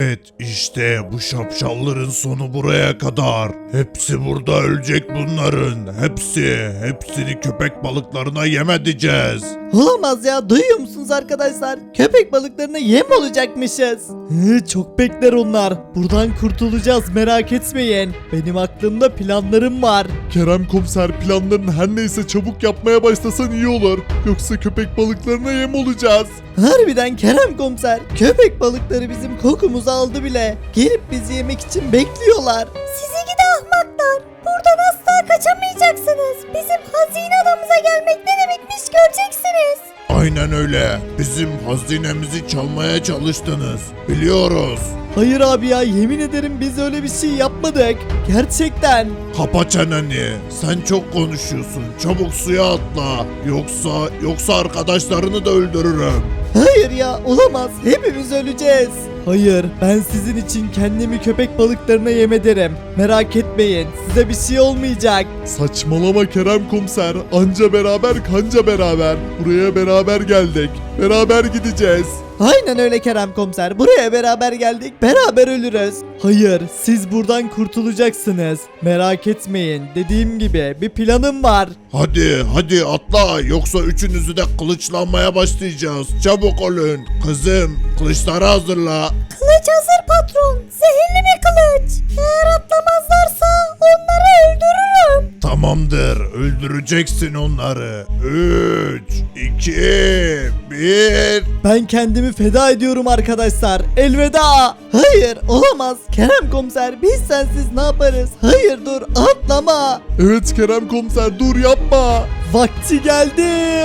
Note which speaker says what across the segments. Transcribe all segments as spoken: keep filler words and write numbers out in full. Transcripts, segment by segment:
Speaker 1: Evet, işte bu şapşalların sonu buraya kadar. Hepsi burada ölecek bunların. Hepsi. Hepsini köpek balıklarına yem edeceğiz.
Speaker 2: Olamaz ya, duyuyor musunuz arkadaşlar? Köpek balıklarına yem olacakmışız. Hı, çok bekler onlar. Buradan kurtulacağız, merak etmeyin. Benim aklımda planlarım var.
Speaker 3: Kerem komiser, planların her neyse çabuk yapmaya başlasan iyi olur. Yoksa köpek balıklarına yem olacağız.
Speaker 2: Harbiden Kerem komiser, köpek balıkları bizim kokumuzu aldı bile. Gelip bizi yemek için bekliyorlar.
Speaker 4: Sizi gidi ahmaklar. Buradan asla kaçamayacaksınız. Bizim hazine adamıza gelmek ne demekmiş göreceksiniz.
Speaker 1: Aynen öyle. Bizim hazinemizi çalmaya çalıştınız. Biliyoruz.
Speaker 2: Hayır abi ya, yemin ederim biz öyle bir şey yapmadık. Gerçekten.
Speaker 1: Kapa çeneni. Sen çok konuşuyorsun. Çabuk suya atla. Yoksa yoksa arkadaşlarını da öldürürüm.
Speaker 2: Hayır ya, olamaz. Hepimiz öleceğiz. Hayır, ben sizin için kendimi köpek balıklarına yem ederim. Merak etmeyin, size bir şey olmayacak.
Speaker 3: Saçmalama Kerem komiser. Anca beraber kanca beraber. Buraya beraber geldik. Beraber gideceğiz.
Speaker 2: Aynen öyle Kerem komiser. Buraya beraber geldik, beraber ölürüz. Hayır, siz buradan kurtulacaksınız. Merak etmeyin. Dediğim gibi bir planım var.
Speaker 1: Hadi hadi atla. Yoksa üçünüzü de kılıçlanmaya başlayacağız. Çabuk olun. Kızım kılıçları hazırla.
Speaker 4: Kılıç hazır patron. Zehirli bir kılıç. Eğer atlamazlarsa onları öldürürüm.
Speaker 1: Tamamdır. Öldüreceksin onları. üç, iki, bir.
Speaker 2: Ben kendimi feda ediyorum arkadaşlar. Elveda. Hayır, olamaz. Kerem komiser, biz sensiz ne yaparız? Hayır, dur, atlama.
Speaker 3: Evet Kerem komiser, dur yapma.
Speaker 2: Vakti geldi.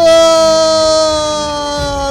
Speaker 2: Olamaz.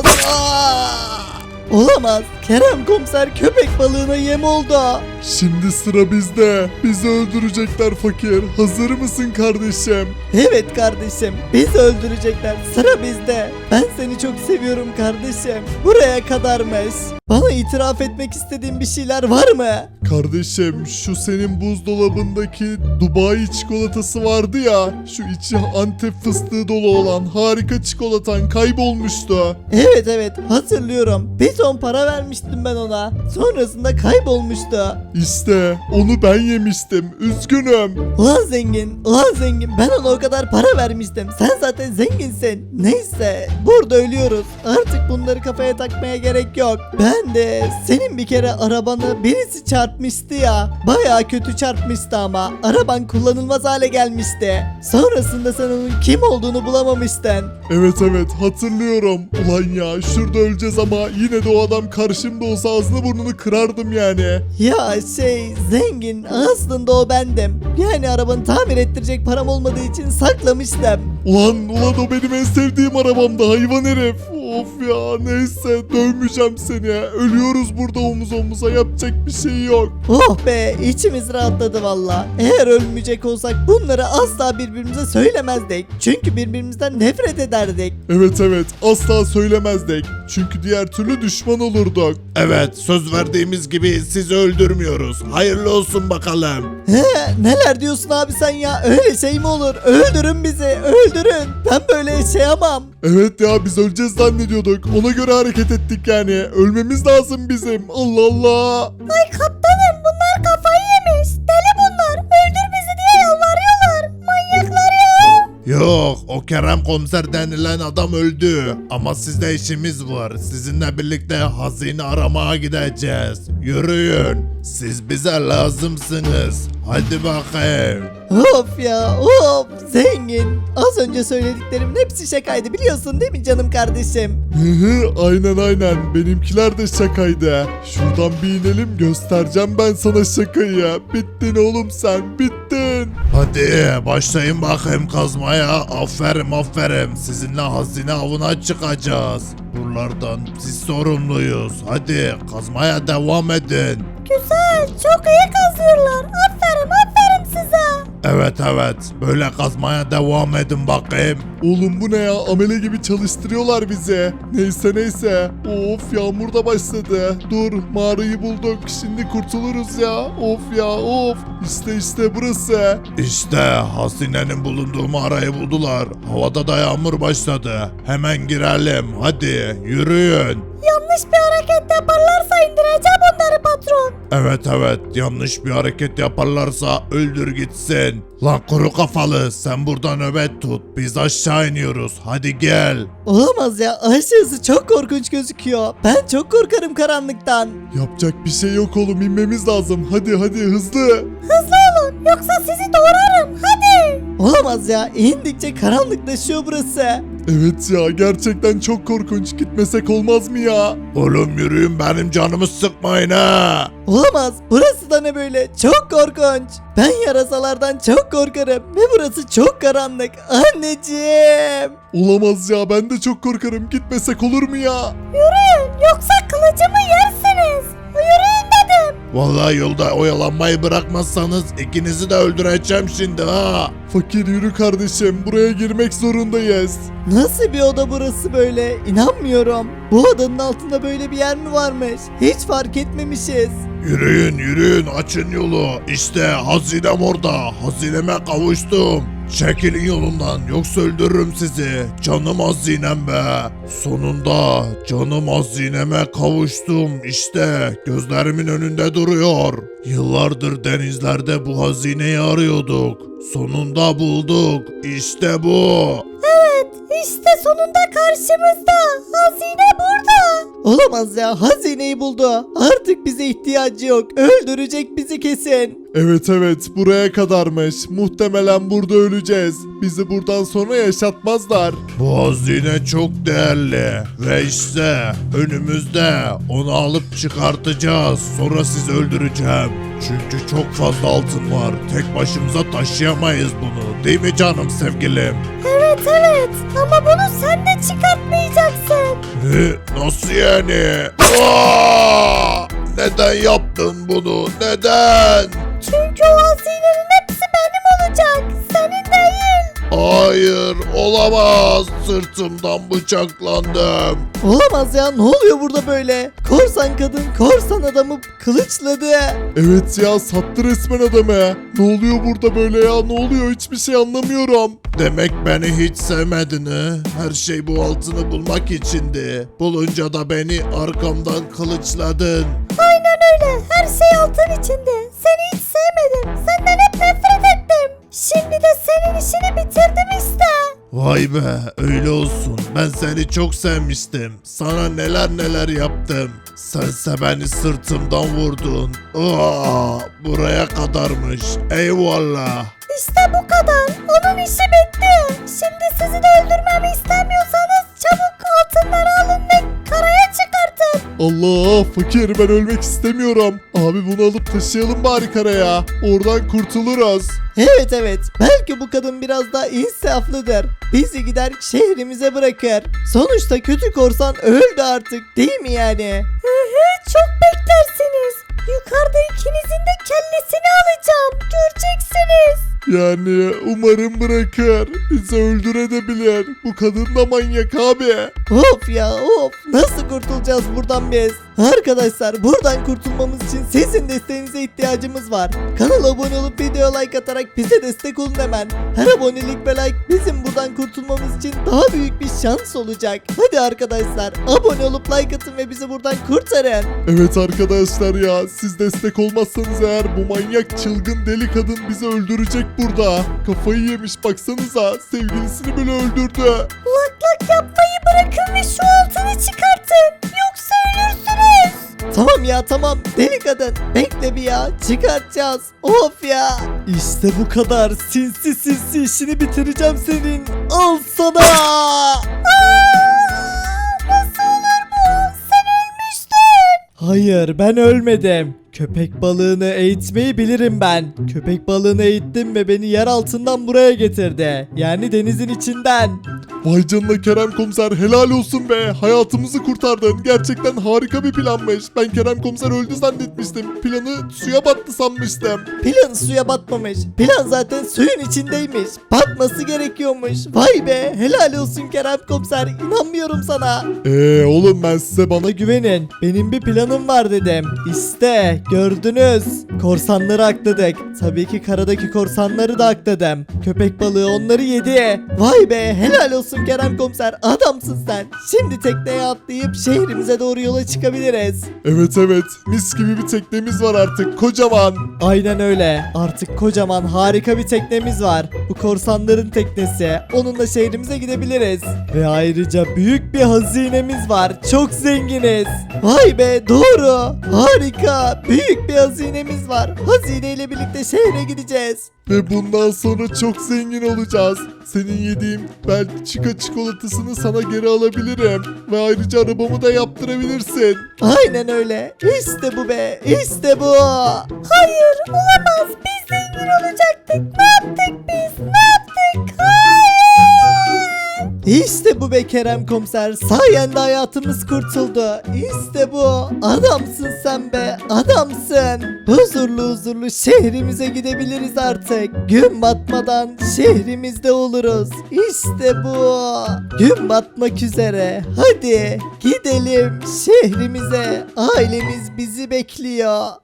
Speaker 2: Aa! Olamaz. Kerem komiser köpek balığına yem oldu.
Speaker 3: Şimdi sıra bizde. Bizi öldürecekler fakir. Hazır mısın kardeşim?
Speaker 2: Evet kardeşim, bizi öldürecekler. Sıra bizde. Ben seni çok seviyorum kardeşim. Buraya kadarmış. Bana itiraf etmek istediğin bir şeyler var mı?
Speaker 3: Kardeşim, şu senin buzdolabındaki Dubai çikolatası vardı ya. Şu içi Antep fıstığı dolu olan harika çikolatan kaybolmuştu.
Speaker 2: Evet evet, hatırlıyorum. Bir ton para vermiştim ben ona. Sonrasında kaybolmuştu.
Speaker 3: İşte onu ben yemiştim. Üzgünüm.
Speaker 2: Ulan zengin, ulan zengin, ben ona o kadar para vermiştim. Sen zaten zenginsin. Neyse, burada ölüyoruz. Artık bunları kafaya takmaya gerek yok. Ben de senin bir kere arabanı birisi çarpmıştı ya. Baya kötü çarpmıştı ama. Araban kullanılmaz hale gelmişti. Sonrasında sen onun kim olduğunu bulamamıştın.
Speaker 3: Evet evet hatırlıyorum. Ulan ya, şurada öleceğiz ama yine de o adam karşımda olsa ağzını burnunu kırardım yani.
Speaker 2: Ya şey zengin, aslında o bendim. Yani arabanı tamir ettirecek param olmadığı için saklamıştım.
Speaker 3: Ulan ulan o benim en sevdiğim arabamdı, hayvan herif. Of ya, neyse dövmeyeceğim seni. Ölüyoruz burada omuz omuza, yapacak bir şey yok.
Speaker 2: Oh be, içimiz rahatladı valla. Eğer ölmeyecek olsak bunları asla birbirimize söylemezdik. Çünkü birbirimizden nefret ederdik.
Speaker 3: Evet evet, asla söylemezdik. Çünkü diğer türlü düşman olurduk.
Speaker 1: Evet, söz verdiğimiz gibi sizi öldürmüyoruz. Hayırlı olsun bakalım.
Speaker 2: He, neler diyorsun abi sen ya? Öyle şey mi olur? Öldürün bizi, öldürün. Ben böyle yaşayamam.
Speaker 3: Evet ya, biz öleceğiz zannediyorduk. Ona göre hareket ettik yani. Ölmemiz lazım bizim. Allah Allah.
Speaker 4: Ay kaptanım, bunlar kafayı yemiş. Deli bunlar. Öldür bizi diye yalvarıyorlar. Manyaklar ya.
Speaker 1: Yok, o Kerem komiser denilen adam öldü. Ama sizde işimiz var. Sizinle birlikte hazine aramaya gideceğiz. Yürüyün. Siz bize lazımsınız. Hadi bakayım.
Speaker 2: Of ya, of. Zengin. Az önce söylediklerimin hepsi şakaydı, biliyorsun değil mi canım kardeşim?
Speaker 3: Hı hı, aynen aynen. Benimkiler de şakaydı. Şuradan bir inelim, göstereceğim ben sana şakayı. Bittin oğlum sen, bittin.
Speaker 1: Hadi başlayın bakayım kazmaya. Aferin aferin. Sizinle hazine avına çıkacağız. Buralardan siz sorumluyuz. Hadi kazmaya devam edin.
Speaker 4: Güzel. Çok iyi kazıyorlar. Aferin aferin size.
Speaker 1: Evet evet. Böyle kazmaya devam edin bakayım.
Speaker 3: Oğlum bu ne ya? Amele gibi çalıştırıyorlar bizi. Neyse neyse. Of, yağmur da başladı. Dur, mağarayı bulduk. Şimdi kurtuluruz ya. Of ya of. İşte işte burası.
Speaker 1: İşte hazinenin bulunduğu mağarayı buldular. Havada da yağmur başladı. Hemen girelim. Hadi yürüyün.
Speaker 4: Yanlış bir hareket yaparlarsa indireceğim onları
Speaker 1: Evet evet, yanlış bir hareket yaparlarsa öldür gitsin. Lan kuru kafalı, sen burada nöbet tut, biz aşağı iniyoruz, hadi gel.
Speaker 2: Olamaz ya, aşağısı çok korkunç gözüküyor. Ben çok korkarım karanlıktan.
Speaker 3: Yapacak bir şey yok oğlum, inmemiz lazım. Hadi hadi hızlı.
Speaker 4: Hızlı olun yoksa sizi doğrarım hadi.
Speaker 2: Olamaz ya, indikçe karanlıklaşıyor burası.
Speaker 3: Evet ya, gerçekten çok korkunç. Gitmesek olmaz mı ya?
Speaker 1: Oğlum yürüyün, benim canımı sıkmayın ha.
Speaker 2: Olamaz, burası da ne böyle, çok korkunç. Ben yarasalardan çok korkarım ve burası çok karanlık. Anneciğim.
Speaker 3: Olamaz ya, ben de çok korkarım. Gitmesek olur mu ya?
Speaker 4: Yürüyün yoksa kılıcımı yersiniz. Yürüyün dedim.
Speaker 1: Vallahi yolda oyalanmayı bırakmazsanız ikinizi de öldüreceğim şimdi ha.
Speaker 3: Fakir yürü kardeşim, buraya girmek zorundayız.
Speaker 2: Nasıl bir oda burası böyle? İnanmıyorum. Bu odanın altında böyle bir yer mi varmış? Hiç fark etmemişiz.
Speaker 1: Yürüyün yürüyün, açın yolu. İşte hazinem orada. Hazineme kavuştum. Çekilin yolundan, yoksa öldürürüm sizi. Canım hazinem be. Sonunda canım hazineme kavuştum. İşte gözlerimin önünde duruyor. Yıllardır denizlerde bu hazineyi arıyorduk. Sonunda bulduk. İşte bu.
Speaker 4: Evet işte sonunda karşımızda. Hazine burada.
Speaker 2: Olamaz ya, hazineyi buldu. Artık bize ihtiyacı yok. Öldürecek bizi kesin.
Speaker 3: Evet evet, buraya kadarmış. Muhtemelen burada öleceğiz. Bizi buradan sonra yaşatmazlar.
Speaker 1: Bu hazine çok değerli ve işte önümüzde, onu alıp çıkartacağız. Sonra sizi öldüreceğim. Çünkü çok fazla altın var. Tek başımıza taşıyamayız bunu. Değil mi canım sevgilim?
Speaker 4: Evet evet ama bunu sen de çıkartmayacaksın.
Speaker 1: Ne? Nasıl yani? Aa! Neden yaptın bunu? Neden?
Speaker 4: Çünkü o hazinenin hepsi benim olacak. Senin değil.
Speaker 1: Hayır, olamaz. Sırtımdan bıçaklandım.
Speaker 2: Olamaz ya, ne oluyor burada böyle? Korsan kadın korsan adamı kılıçladı.
Speaker 3: Evet ya, sattı resmen adamı. Ne oluyor burada böyle ya? Ne oluyor? Hiçbir şey anlamıyorum.
Speaker 1: Demek beni hiç sevmedin ha? Her şey bu altını bulmak içindi. Bulunca da beni arkamdan kılıçladın.
Speaker 4: Aynen öyle. Her şey altın içinde. Seni hiç sevmedim. Senden hep nefret ettim. Şimdi de senin işini bitirdim işte.
Speaker 1: Vay be, öyle olsun. Ben seni çok sevmiştim. Sana neler neler yaptım. Sense beni sırtımdan vurdun. Aa, buraya kadarmış. Eyvallah.
Speaker 4: İşte bu kadar. Onun işi bitti. Şimdi sizi de öldürmemi istemiyorsanız çabuk altınları alın ve karaya çıkartın.
Speaker 3: Allah, fakir, ben ölmek istemiyorum. Abi bunu alıp taşıyalım bari karaya. Oradan kurtuluruz.
Speaker 2: Evet evet, belki bu kadın biraz daha insaflıdır. Bizi gider şehrimize bırakır. Sonuçta kötü korsan öldü artık, değil mi yani?
Speaker 4: Hı hı, çok beklersiniz. Yukarıda ikinizin de kellesini alacağım. Göreceksiniz.
Speaker 3: Yani umarım bırakır. Bizi öldürebilir. Bu kadın da manyak abi.
Speaker 2: Of ya of, nasıl kurtulacağız buradan biz? Arkadaşlar, buradan kurtulmamız için sizin desteğinize ihtiyacımız var. Kanala abone olup video like atarak bize destek olun hemen. Her abonelik ve like bizim buradan kurtulmamız için daha büyük bir şans olacak. Hadi arkadaşlar, abone olup like atın ve bizi buradan kurtarın.
Speaker 3: Evet arkadaşlar ya, siz destek olmazsanız eğer bu manyak çılgın deli kadın bizi öldürecek burada. Kafayı yemiş, baksanıza, sevgilisini bile öldürdü.
Speaker 4: Lak lak yapmayı bırakın ve şu altını çıkartın. Yoksa ölürsünüz.
Speaker 2: Tamam ya tamam, deli kadın bekle bir ya, çıkartacağız. Of ya. İşte bu kadar, sinsi sinsi işini bitireceğim senin. Al sana.
Speaker 4: Aa, nasıl olur bu? Sen ölmüştün.
Speaker 2: Hayır, ben ölmedim. Köpek balığını eğitmeyi bilirim ben. Köpek balığını eğittim ve beni yer altından buraya getirdi. Yani denizin içinden.
Speaker 3: Vay canına Kerem Komiser, helal olsun be. Hayatımızı kurtardın. Gerçekten harika bir planmış. Ben Kerem Komiser öldü zannetmiştim. Planı suya battı sanmıştım.
Speaker 2: Plan suya batmamış. Plan zaten suyun içindeymiş. Batması gerekiyormuş. Vay be, helal olsun Kerem Komiser. İnanmıyorum sana.
Speaker 3: Eee oğlum, ben size bana
Speaker 2: Bana güvenin. Benim bir planım var dedim. İşte gördünüz. Korsanları akladık. Tabii ki karadaki korsanları da akladım. Köpek balığı onları yedi. Vay be, helal olsun Kerem komiser, adamsın sen. Şimdi tekneye atlayıp şehrimize doğru yola çıkabiliriz.
Speaker 3: Evet evet, mis gibi bir teknemiz var artık, kocaman.
Speaker 2: Aynen öyle. Artık kocaman harika bir teknemiz var. Bu korsanların teknesi. Onunla şehrimize gidebiliriz. Ve ayrıca büyük bir hazinemiz var. Çok zenginiz. Vay be, doğru. Harika. Büyük bir hazinemiz var. Hazineyle birlikte şehre gideceğiz.
Speaker 3: Ve bundan sonra çok zengin olacağız. Senin yediğin Belçika çikolatasını sana geri alabilirim. Ve ayrıca arabamı da yaptırabilirsin.
Speaker 2: Aynen öyle. İşte bu be. İşte bu.
Speaker 4: Hayır olamaz. Biz zengin olacaktık. Ne yaptık biz? Ne yaptık? Hayır.
Speaker 2: İşte bu be Kerem komiser. Sayende hayatımız kurtuldu. İşte bu. Adamsın sen be. Adamsın. Huzurlu huzurlu şehrimize gidebiliriz artık. Gün batmadan şehrimizde oluruz. İşte bu. Gün batmak üzere. Hadi gidelim şehrimize. Ailemiz bizi bekliyor.